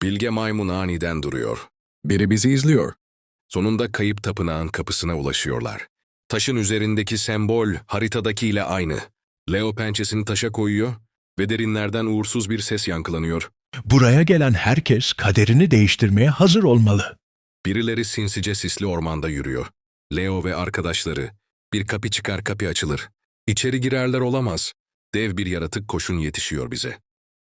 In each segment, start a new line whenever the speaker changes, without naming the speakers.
Bilge maymun aniden duruyor.
Biri bizi izliyor.
Sonunda kayıp tapınağın kapısına ulaşıyorlar. Taşın üzerindeki sembol haritadakiyle aynı. Leo pençesini taşa koyuyor ve derinlerden uğursuz bir ses yankılanıyor.
Buraya gelen herkes kaderini değiştirmeye hazır olmalı.
Birileri sinsice sisli ormanda yürüyor. Leo ve arkadaşları. Bir kapı çıkar, kapı açılır. İçeri girerler olamaz. Dev bir yaratık koşun yetişiyor bize.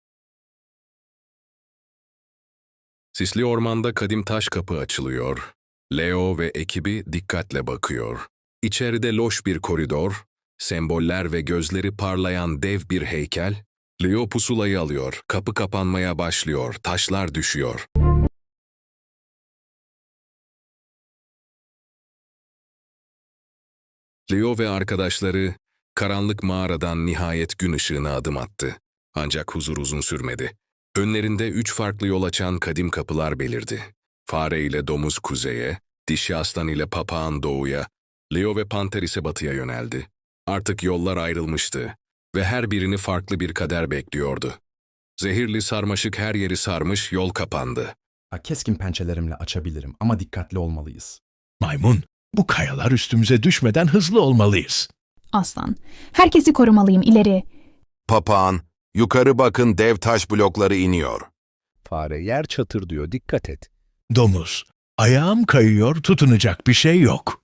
Sisli ormanda kadim taş kapı açılıyor. Leo ve ekibi dikkatle bakıyor. İçeride loş bir koridor, semboller ve gözleri parlayan dev bir heykel. Leo pusulayı alıyor, kapı kapanmaya başlıyor, taşlar düşüyor. Leo ve arkadaşları karanlık mağaradan nihayet gün ışığına adım attı. Ancak huzur uzun sürmedi. Önlerinde 3 farklı yol açan kadim kapılar belirdi. Fare ile domuz kuzeye, dişi aslan ile papağan doğuya, Leo ve panter ise batıya yöneldi. Artık yollar ayrılmıştı ve her birini farklı bir kader bekliyordu. Zehirli sarmaşık her yeri sarmış, yol kapandı.
Keskin pençelerimle açabilirim ama dikkatli olmalıyız.
Maymun, bu kayalar üstümüze düşmeden hızlı olmalıyız.
Aslan. Herkesi korumalıyım, ileri.
Papağan, yukarı bakın, dev taş blokları iniyor.
Fare yer çatır diyor, dikkat et.
Domuz, ayağım kayıyor, tutunacak bir şey yok.